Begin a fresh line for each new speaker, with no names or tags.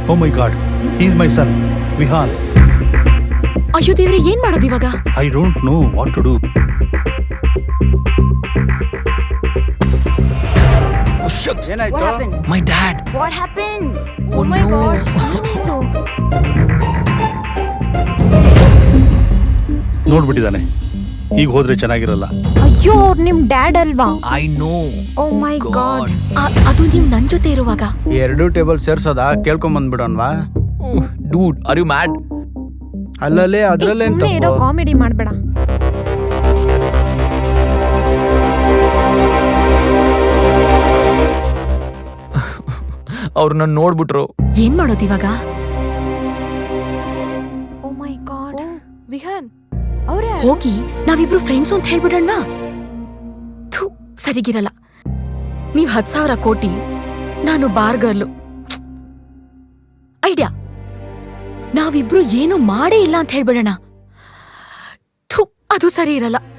O my God, he is my son Vihaan.
ಅಯ್ಯೋ ದೇವ್ರೆ, ಏನ್ ಮಾಡೋದು ಇವಾಗ?
I don't know what to do.
ಏನಾಯ್ತು?
My dad.
What happen?
Oh my God,
ಏನಾಯ್ತು?
ನೋಡ್ಬಿಟ್ಟಿದ್ದಾನೆ. ಈಗ ಹೋದ್ರೆ ಚೆನ್ನಾಗಿರಲ್ಲ.
ಅಯ್ಯೋ, ಅವ್ರು ನಿಮ್ ಡ್ಯಾಡ್ ಅಲ್ವಾ?
I know.
Oh my God. ಅದು ನೀವ್ ನನ್ ಜೊತೆ ಇರುವಾಗ
2 ಟೇಬಲ್ ಸೇರ್ಸೋದಾ? ಕೇಳ್ಕೊಂಡ್ ಬಂದ್ಬಿಡೋನ್ವಾ?
Dude, are you mad?
ಅಲ್ಲಲ್ಲೇ ಅದ್ರಲ್ಲೇ
ಸುಮ್ಮನೆ ಇರೋ, ಕಾಮಿಡಿ ಮಾಡ್ಬೇಡ.
ಅವ್ರನ್ನ ನೋಡ್ಬಿಟ್ರು.
ಏನ್ ಮಾಡೋದು ಇವಾಗ?
ಓ ಮೈ ಗಾಡ್.
ವಿಹಾನ್ ಅವ್ರೆ ಹೋಗಿ ನಾವಿಬ್ರು ಫ್ರೆಂಡ್ಸ್ ಅಂತ ಹೇಳ್ಬಿಡೋಣ. ಥು, ಸರಿಗಿರಲ್ಲ. ನೀವ್ 10,000 ಕೋಟಿ, ನಾನು ಬಾರ್ಗರ್ಲು. ಐಡಿಯಾ, ನಾವಿಬ್ರು ಏನು ಮಾಡೇ ಇಲ್ಲ ಅಂತ ಹೇಳ್ಬಿಡೋಣ. ಥು, ಅದು ಸರಿ ಇರಲ್ಲ.